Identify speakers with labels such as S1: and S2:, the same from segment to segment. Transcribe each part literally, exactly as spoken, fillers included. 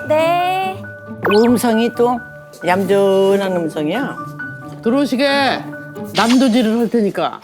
S1: 네.
S2: 음성이 또 얌전한 음성이야.
S3: 들어오시게 남도질을 할 테니까.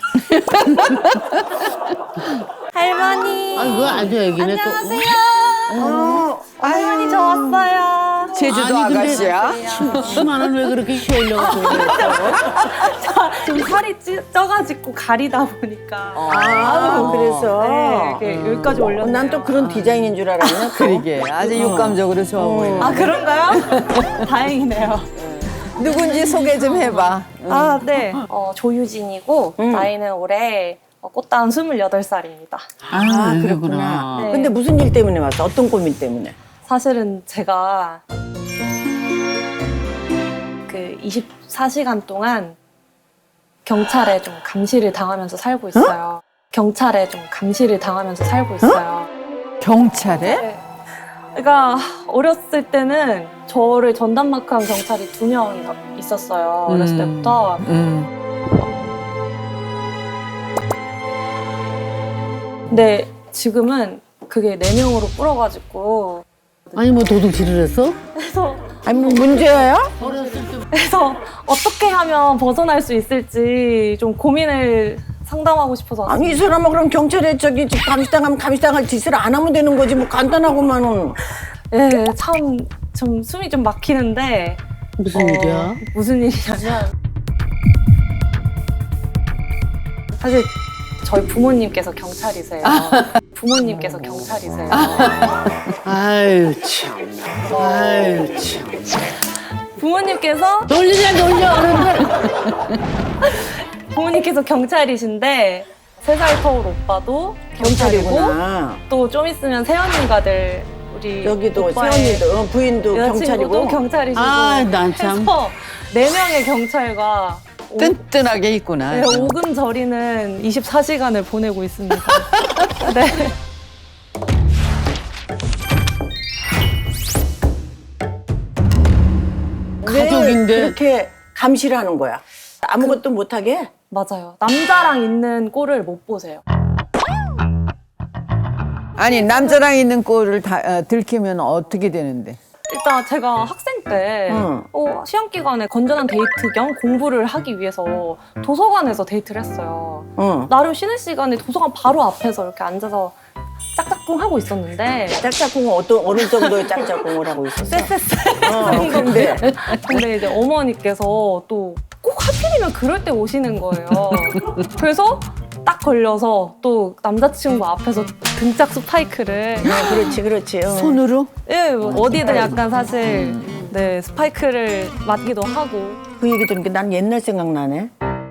S1: 할머니.
S3: 아이고 아주 애기네 또.
S1: 안녕하세요.
S2: 어,
S1: 할머니 저 왔어요.
S4: 제주도
S3: 아니, 근데
S4: 아가씨야?
S3: 치마는 왜 그렇게 휘어려고 그래?
S1: 좀 살이 찌, 쪄가지고 가리다 보니까.
S2: 아, 그래서.
S1: 네, 이렇게 여기까지 올렸네요.
S2: 난 또 그런 디자인인 줄 알았네. 또.
S4: 그러게 아주 육감적으로 좋아 보인다.
S1: 아 그런가요? 다행이네요.
S4: 누군지 소개 좀 해봐.
S1: 아 네. 어, 조유진이고
S2: 음.
S1: 나이는 올해 어, 꽃다운 스물여덟 살입니다.
S2: 아,
S3: 그렇구나.
S2: 그렇구나.
S1: 네.
S2: 근데 무슨 일 때문에 왔어? 어떤 고민 때문에?
S1: 사실은 제가 그 이십사 시간 동안 경찰에 좀 감시를 당하면서 살고 있어요. 경찰에 좀 감시를 당하면서 살고 있어요.
S4: 경찰에?
S1: 네. 그러니까 어렸을 때는 저를 전담마크한 경찰이 두 명 있었어요. 어렸을
S4: 음.
S1: 때부터.
S4: 음.
S1: 근데 지금은 그게 네 명으로 불어가지고
S3: 아니 뭐 도둑질을 했어?
S1: 그래서
S2: 아니, 뭐 문제야?
S1: 그래서 어떻게 하면 벗어날 수 있을지 좀 고민을 상담하고 싶어서 왔어요.
S2: 아니, 이 사람아, 그럼 경찰에 저기 집 감시당하면 감시당할 짓을 안 하면 되는 거지. 뭐 간단하고만은.
S1: 네, 참, 좀 숨이 좀 막히는데
S3: 무슨
S1: 어,
S3: 일이야?
S1: 무슨 일이냐면 사실 저희 부모님께서 경찰이세요. 부모님께서 경찰이세요.
S3: 아유 참. 아유 참.
S1: 부모님께서
S3: 놀리냐 놀려 어른들.
S1: 부모님께서 경찰이신데 세 살 터울 오빠도 경찰이고
S2: 경찰이구나.
S1: 또 좀 있으면 새언니가 될 우리
S2: 여기도
S1: 오빠의
S2: 세언니도, 어, 부인도
S1: 여자친구도
S2: 경찰이고.
S1: 경찰이시고
S3: 아, 난 참.
S1: 해서 네 명의 경찰과 오-
S4: 뜬뜬하게 있구나.
S1: 네, 오금 저리는 이십사 시간을 보내고 있습니다. 네.
S2: 왜
S3: 가족인데.
S2: 그렇게 감시를 하는 거야? 아무것도 못하게?
S1: 맞아요. 남자랑 있는 꼴을 못 보세요.
S4: 아니 남자랑 있는 꼴을 다, 어, 들키면 어떻게 되는데?
S1: 일단 제가 학생 때
S2: 응.
S1: 어, 시험 기간에 건전한 데이트 겸 공부를 하기 위해서 도서관에서 데이트를 했어요.
S2: 응.
S1: 나름 쉬는 시간에 도서관 바로 앞에서 이렇게 앉아서 짝짝꿍 하고 있었는데
S2: 짝짝꿍은 어떤, 어느 정도의 짝짝꿍을 하고 있었어?
S1: 쎄쎄쎄.
S2: 어, 근데.
S1: 근데 이제 어머니께서 또 꼭 하필이면 그럴 때 오시는 거예요. 그래서 딱 걸려서 또 남자친구 앞에서 등짝 스파이크를
S2: 아, 그렇지, 그렇지. 어.
S4: 손으로?
S1: 예, 뭐 어디든 약간 사실 네 스파이크를 맞기도 하고
S2: 그 얘기 들으니까 난 옛날 생각나네.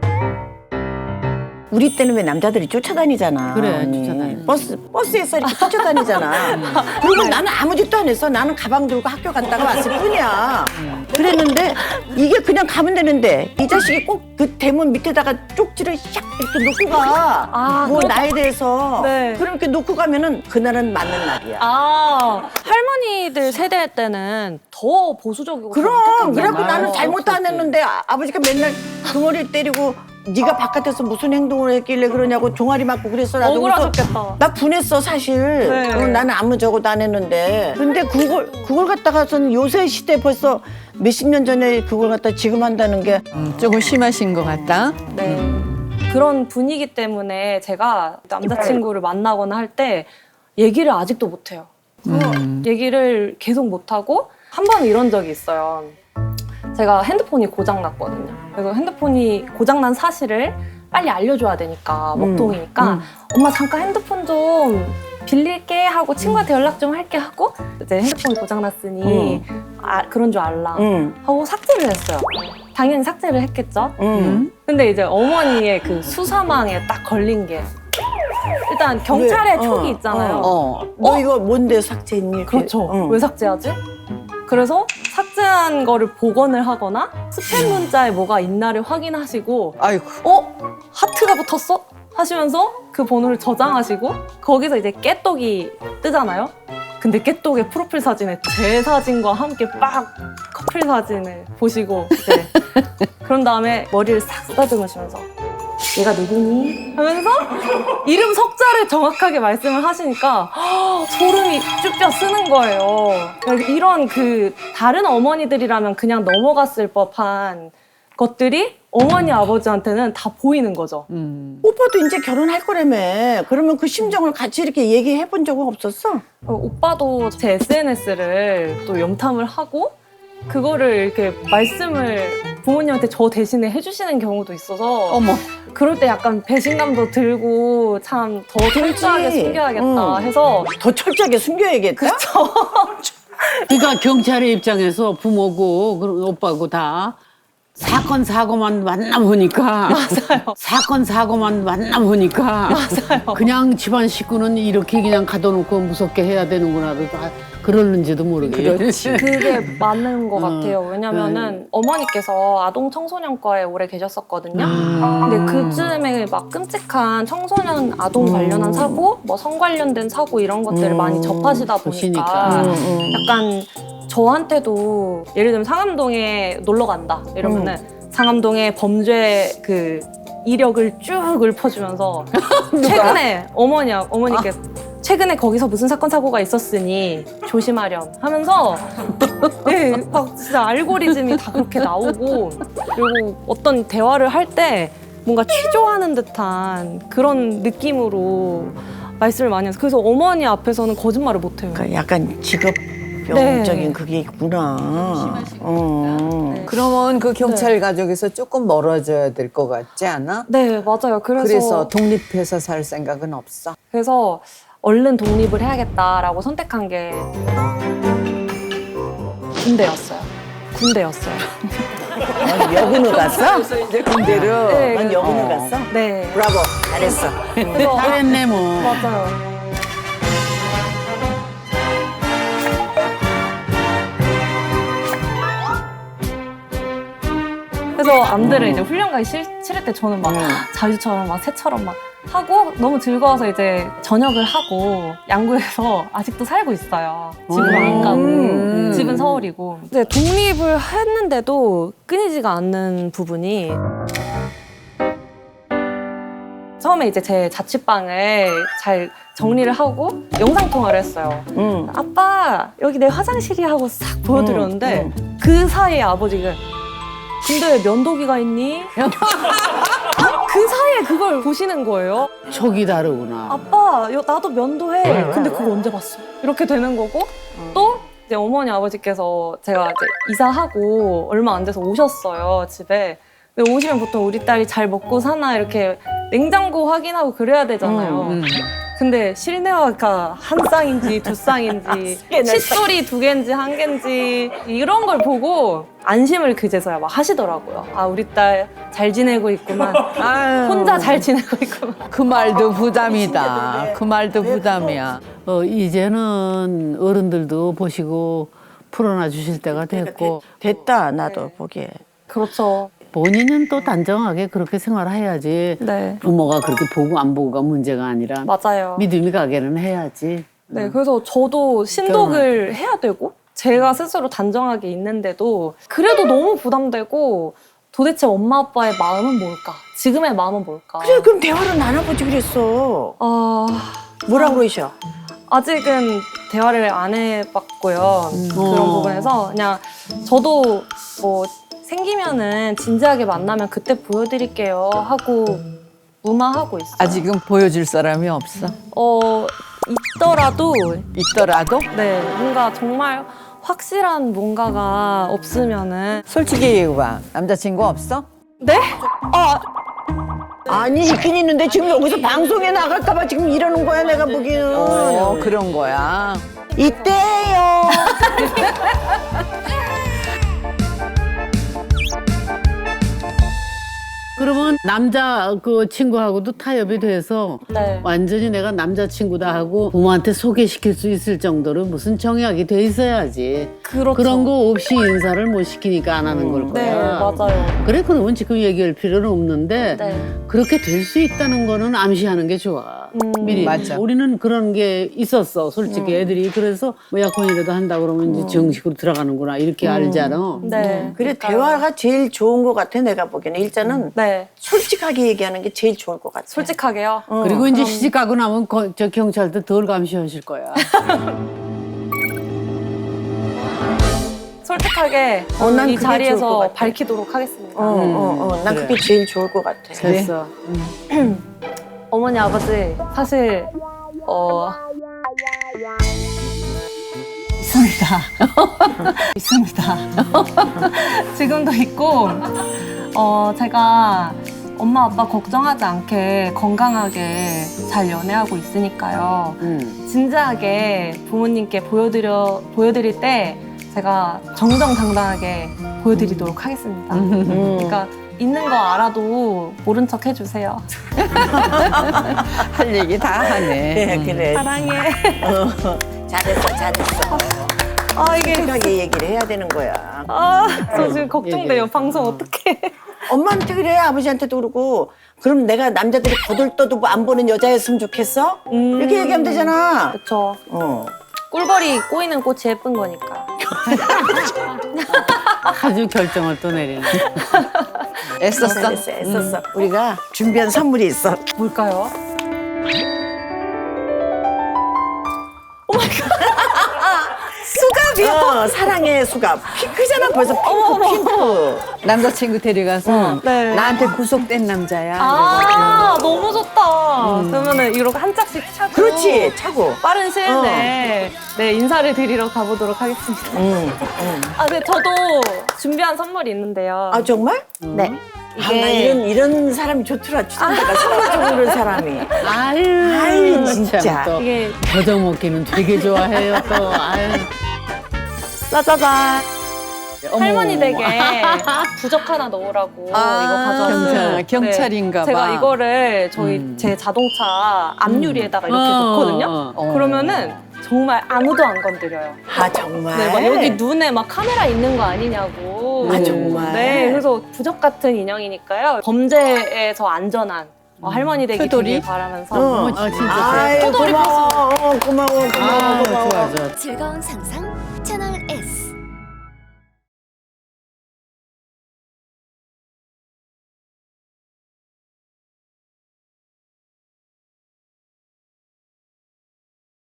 S2: 우리 때는 왜 남자들이 쫓아다니잖아.
S3: 그래,
S2: 언니.
S3: 쫓아다니.
S2: 버스, 버스에서 이렇게 쫓아다니잖아. 그리고 나는 아무 짓도 안 했어. 나는 가방 들고 학교 갔다가 왔을 뿐이야. 그랬는데 이게 그냥 가면 되는데 이 자식이 꼭 그 대문 밑에다가 쪽지를 샥 이렇게 놓고 가.
S1: 아,
S2: 뭐
S1: 그렇다.
S2: 나에 대해서.
S1: 네.
S2: 그렇게 놓고 가면은 그날은 맞는 날이야.
S1: 아 할머니들 세대 때는 더 보수적이고
S2: 그럼
S1: 더
S2: 그래갖고
S1: 엄격했잖아요.
S2: 나는 잘못 안 했는데 아, 아버지가 맨날 등어리 때리고 네가 바깥에서 무슨 행동을 했길래 그러냐고 종아리 맞고 그랬어. 나도 그래서
S1: 억울하셨겠다.
S2: 나 분했어 사실.
S1: 네.
S2: 어, 나는 아무 저것도 안 했는데. 근데 그걸 그걸 갖다가서는 요새 시대 벌써 몇십 년 전에 그걸 갖다 지금 한다는 게
S4: 음, 조금 심하신 것 같다.
S1: 네. 그런 분위기 때문에 제가 남자친구를 만나거나 할 때 얘기를 아직도 못해요.
S4: 음.
S1: 얘기를 계속 못하고 한 번은 이런 적이 있어요. 제가 핸드폰이 고장났거든요. 그래서 핸드폰이 고장난 사실을 빨리 알려줘야 되니까 먹통이니까
S2: 음.
S1: 엄마 잠깐 핸드폰 좀 빌릴게 하고 친구한테 연락 좀 할게 하고 이제 핸드폰이 고장났으니 아, 그런 줄 알라
S2: 응.
S1: 하고 삭제를 했어요. 당연히 삭제를 했겠죠.
S2: 응.
S1: 근데 이제 어머니의 그 수사망에 딱 걸린 게 일단 경찰의
S2: 왜?
S1: 촉이
S2: 어,
S1: 있잖아요.
S2: 어. 너 이거 뭔데 삭제했니? 이렇게.
S1: 그렇죠.
S2: 응.
S1: 왜 삭제하지? 그래서 삭제한 거를 복원을 하거나 스팸 문자에 뭐가 있나를 확인하시고
S4: 아이고.
S1: 어? 하트가 붙었어? 하시면서 그 번호를 저장하시고 거기서 이제 깨똑이 뜨잖아요. 근데 깨똑의 프로필 사진에 제 사진과 함께 빡 커플 사진을 보시고 이제 그런 다음에 머리를 싹 쓰다듬으시면서 얘가 누구니? 하면서 이름 석자를 정확하게 말씀을 하시니까 허, 소름이 쭈뼛 쓰는 거예요. 이런 그 다른 어머니들이라면 그냥 넘어갔을 법한 것들이 어머니 아버지한테는 다 보이는 거죠.
S2: 오빠도 이제 결혼할 거라며. 그러면 그 심정을 같이 이렇게 얘기해 본 적은 없었어?
S1: 어, 오빠도 제 에스엔에스를 또 염탐을 하고 그거를 이렇게 말씀을 부모님한테 저 대신에 해주시는 경우도 있어서
S4: 어머.
S1: 그럴 때 약간 배신감도 들고 참 더 철저하게 숨겨야겠다
S2: 응.
S1: 해서
S2: 더 철저하게 숨겨야겠다?
S3: 그러니까 경찰의 입장에서 부모고 그리고 오빠고 다 사건 사고만 만나보니까
S1: 맞아요.
S3: 사건 사고만 만나보니까
S1: 맞아요.
S3: 그냥 집안 식구는 이렇게 그냥 가둬놓고 무섭게 해야 되는구나 그러는지도 모르겠지.
S1: 그게 맞는 것
S3: 어,
S1: 같아요. 왜냐면은 어머니께서 아동 청소년과에 오래 계셨었거든요.
S3: 아.
S1: 근데 그쯤에 막 끔찍한 청소년 아동 관련한 사고, 뭐 성 관련된 사고 이런 것들을
S2: 음.
S1: 많이 접하시다 보니까
S3: 보시니까.
S2: 음, 음.
S1: 약간 저한테도 예를 들면 상암동에 놀러 간다 이러면은 상암동의 범죄 그 이력을 쭉 읊어주면서 최근에 어머니 어머니께 최근에 거기서 무슨 사건 사고가 있었으니 조심하렴 하면서 네, 막 진짜 알고리즘이 다 그렇게 나오고 그리고 어떤 대화를 할 때 뭔가 취조하는 듯한 그런 느낌으로 말씀을 많이 해서 그래서 어머니 앞에서는 거짓말을 못 해요.
S2: 그러니까 약간 직업병적인
S1: 네.
S2: 그게 있구나. 어.
S1: 네.
S4: 그러면 그 경찰 가족에서 조금 멀어져야 될 것 같지 않아?
S1: 네, 맞아요. 그래서
S4: 그래서 독립해서 살 생각은 없어?
S1: 그래서 얼른 독립을 해야겠다라고 선택한 게 군대였어요. 군대였어요.
S2: 넌 여군을 갔어?
S4: 이제 군대로.
S1: 네,
S2: 넌 여군을
S4: 어.
S2: 갔어?
S1: 네.
S2: 브라보. 잘했어.
S1: 그래서
S3: 잘했네 뭐.
S1: 맞아요. 그래서 암들을 이제 훈련 가기 싫, 싫을 때 저는 막
S2: 음.
S1: 자유처럼 막 새처럼 막 하고 너무 즐거워서 이제 전역을 하고 양구에서 아직도 살고 있어요. 집을 안 가고
S2: 음.
S1: 집은 서울이고. 이제 독립을 했는데도 끊이지가 않는 부분이 처음에 이제 제 자취방을 잘 정리를 하고 영상 통화를 했어요.
S2: 응.
S1: 아빠 여기 내 화장실이 하고 싹 보여드렸는데
S2: 음,
S1: 그 사이에 아버지가 근데 왜 면도기가 있니? 그 사이에 그걸 보시는 거예요.
S3: 촉이 다르구나.
S1: 아빠 여- 나도 면도해. 근데 그거 언제 봤어? 이렇게 되는 거고 또 이제 어머니 아버지께서 제가 이제 이사하고 얼마 안 돼서 오셨어요 집에. 근데 오시면 보통 우리 딸이 잘 먹고 사나 이렇게 냉장고 확인하고 그래야 되잖아요.
S3: 음.
S1: 근데 실내화가 한 쌍인지 두 쌍인지 칫솔이 두 개인지 한 개인지 이런 걸 보고 안심을 그제서야 막 하시더라고요. 아 우리 딸 잘 지내고 있구만.
S4: 아유,
S1: 혼자 잘 지내고 있구만.
S4: 그 말도 부담이다. 그 말도 부담이야.
S3: 어, 이제는 어른들도 보시고 풀어놔 주실 때가 됐고
S2: 됐다, 나도 보기에.
S1: 그렇죠.
S3: 본인은 또 단정하게 그렇게 생활해야지.
S1: 네.
S3: 부모가 그렇게 보고 안 보고가 문제가 아니라
S1: 맞아요.
S3: 믿음이 가게는 해야지.
S1: 네, 그래서 저도 신독을 해야 되고 제가 스스로 단정하게 있는데도 그래도 너무 부담되고 도대체 엄마 아빠의 마음은 뭘까? 지금의 마음은 뭘까?
S2: 그래, 그럼 대화를 나눠보지 그랬어.
S1: 아,
S2: 뭐라고 그러셔?
S1: 아직은 대화를 안 해봤고요. 그런
S3: 어.
S1: 부분에서 그냥 저도 뭐 생기면은 진지하게 만나면 그때 보여드릴게요 하고 무마하고 있어요.
S4: 아직은 보여줄 사람이 없어.
S1: 어 있더라도
S4: 있더라도
S1: 네 뭔가 정말 확실한 뭔가가 없으면은
S4: 솔직히 얘기해봐. 남자친구 없어?
S1: 네? 아
S2: 아니, 있긴 있는데 지금 여기서 방송에 나갈까봐 지금 이러는 거야, 내가 보기에는.
S4: 어, 그런 거야.
S2: 이때요.
S3: 그러면 남자 그 친구하고도 타협이 돼서
S1: 네.
S3: 완전히 내가 남자친구다 하고 부모한테 소개시킬 수 있을 정도로 무슨 정약이 돼 있어야지.
S1: 그렇죠.
S3: 그런 거 없이 인사를 못 시키니까 안 하는 걸
S1: 네
S3: 거야.
S1: 맞아요.
S3: 그래 그러면 지금 얘기할 필요는 없는데
S1: 네.
S3: 그렇게 될 수 있다는 거는 암시하는 게 좋아. 미리.
S4: 맞아.
S3: 우리는 그런 게 있었어. 솔직히 애들이 그래서 뭐 약혼이라도 한다 그러면 이제 정식으로 들어가는구나 이렇게 알잖아.
S1: 네.
S2: 그래 대화가 제일 좋은 것 같아 내가 보기에는. 일단은
S1: 네.
S2: 솔직하게 얘기하는 게 제일 좋을 것 같아.
S1: 솔직하게요.
S2: 어.
S3: 그리고 이제 시집 가고 나면 거- 저 경찰도 덜 감시하실 거야.
S1: 솔직하게
S2: 어, 난
S1: 이
S2: 그게 좋을 것
S1: 자리에서
S2: 같아.
S1: 밝히도록 하겠습니다.
S2: 어, 어, 어. 난
S3: 그래.
S2: 그게 제일 좋을 것 같아.
S3: 됐어.
S1: 어머니 아버지 사실 어 있습니다. 있습니다. 지금도 있고 어 제가 엄마 아빠 걱정하지 않게 건강하게 잘 연애하고 있으니까요.
S3: 음.
S1: 진지하게 부모님께 보여드려 보여드릴 때 제가 정정당당하게 보여드리도록 하겠습니다.
S2: 음.
S1: 그러니까 있는 거 알아도 모른 척 해주세요.
S4: 할 얘기 다 하네.
S2: 그래, 그래.
S1: 사랑해.
S2: 어, 잘했어, 잘했어.
S1: 아 이게
S2: 솔직하게 얘기를 해야 되는 거야.
S1: 아 저 지금 걱정돼요.
S3: 얘기해.
S1: 방송 어떡해.
S2: 엄마한테 그래, 아버지한테도 그러고. 그럼 내가 남자들이 거들떠도 안 보는 여자였으면 좋겠어?
S1: 음.
S2: 이렇게 얘기하면 되잖아.
S1: 그쵸.
S2: 어.
S1: 꿀벌이 꼬이는 꽃이 예쁜 거니까.
S3: 아주 결정을 또 내리네.
S4: 애썼어.
S2: 잘했어, 애썼어. 우리가 준비한 선물이 있어.
S1: 뭘까요?
S2: 수갑이요? 어, 사랑의 수갑. 핑크잖아, 벌써 핑크, 핑크.
S4: 남자친구 데려가서
S1: 네.
S4: 나한테 구속된 남자야.
S1: 아 너무 좋다. 그러면은 이렇게 한 짝씩 차고.
S2: 그렇지, 차고.
S1: 빠른 시일 내에 네 인사를 드리러 가보도록 하겠습니다.
S2: 응, 응.
S1: 아, 네 저도 준비한 선물이 있는데요.
S2: 아, 정말?
S1: 네.
S2: 아, 나 이런, 이런 사람이 좋더라, 추천자가. 선물 주고 그런 사람이.
S3: 아유,
S2: 아유, 진짜.
S3: 참 또
S1: 이게
S3: 더덕먹기는 되게 좋아해요 또. 아유.
S1: 짜자잔.
S3: 어머.
S1: 할머니 댁에 부적 하나 넣으라고
S4: 아,
S1: 이거 가져왔어요.
S4: 경찰, 경찰인가 봐.
S1: 제가 이거를 저희
S3: 음.
S1: 제 자동차 앞유리에다가 이렇게
S3: 어,
S1: 놓거든요.
S3: 어, 어.
S1: 그러면은 정말 아무도 안 건드려요.
S2: 아, 정말?
S1: 네, 막 여기 눈에 막 카메라 있는 거 아니냐고.
S2: 아, 정말?
S1: 네, 그래서 부적 같은 인형이니까요. 범죄에서 안전한 어, 할머니 댁이
S4: 표돌이?
S1: 되길 바라면서.
S2: 어,
S3: 아, 진짜
S2: 아이,
S1: 포도리
S2: 고마워. 어, 고마워, 고마워,
S3: 아,
S2: 고마워.
S3: 좋아, 좋아.
S5: 즐거운 상상 채널 S